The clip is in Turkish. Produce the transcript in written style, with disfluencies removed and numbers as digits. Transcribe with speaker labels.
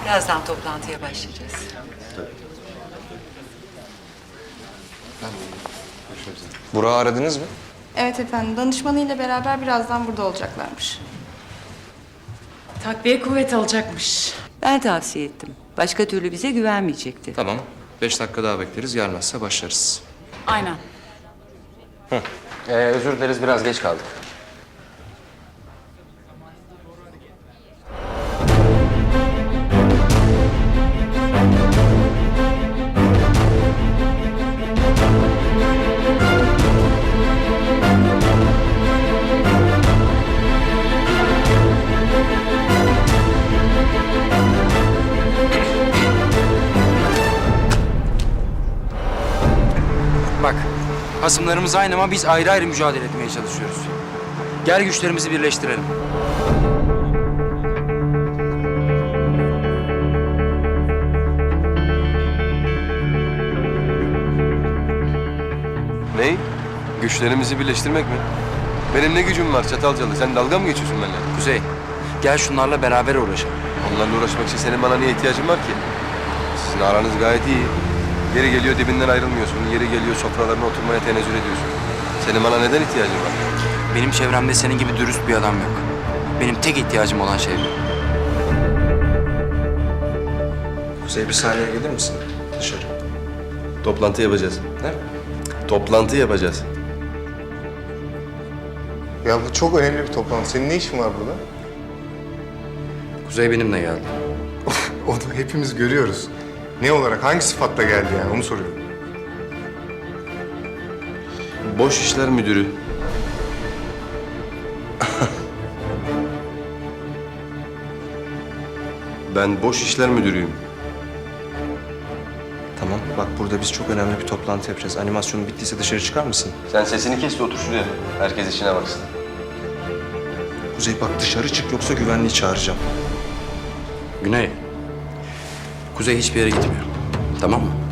Speaker 1: Birazdan toplantıya başlayacağız.
Speaker 2: Burak'ı aradınız mı?
Speaker 3: Evet efendim, danışmanıyla beraber birazdan burada olacaklarmış.
Speaker 4: Takviye kuvvet alacakmış.
Speaker 1: Ben tavsiye ettim. Başka türlü bize güvenmeyecekti.
Speaker 2: Tamam. 5 dakika daha bekleriz. Gelmezse başlarız.
Speaker 4: Aynen.
Speaker 2: Özür dileriz. Biraz geç kaldık.
Speaker 5: Bak, hasımlarımız aynı ama biz ayrı ayrı mücadele etmeye çalışıyoruz. Gel güçlerimizi birleştirelim.
Speaker 6: Ney? Güçlerimizi birleştirmek mi? Benim ne gücüm var Çatalcalı? Sen dalga mı geçiyorsun benimle?
Speaker 5: Kuzey, gel şunlarla beraber uğraşalım.
Speaker 6: Onlarla uğraşmak için senin bana niye ihtiyacın var ki? Sizin aranız gayet iyi. Yeri geliyor dibinden ayrılmıyorsun. Yeri geliyor sofralarına oturmaya tenezzül ediyorsun. Senin bana neden ihtiyacın var?
Speaker 5: Benim çevremde senin gibi dürüst bir adam yok. Benim tek ihtiyacım olan şey bu.
Speaker 2: Kuzey bir saniye gelir misin? Dışarı.
Speaker 6: Toplantı yapacağız.
Speaker 2: Ne?
Speaker 6: Toplantı yapacağız.
Speaker 7: Ya bu çok önemli bir toplantı. Senin ne işin var burada?
Speaker 2: Kuzey benimle geldi.
Speaker 7: Onu hepimiz görüyoruz. Ne olarak, hangi sıfatla geldi yani onu soruyorum.
Speaker 6: Boş işler müdürü. Ben boş işler müdürüyüm.
Speaker 2: Tamam. Bak burada biz çok önemli bir toplantı yapacağız. Animasyonun bittiyse dışarı çıkar mısın?
Speaker 6: Sen sesini kes de otur şuraya. Herkes işine baksın.
Speaker 2: Kuzey bak dışarı çık yoksa güvenliği çağıracağım.
Speaker 5: Güney, Kuzey hiçbir yere gitmiyor. Tamam mı?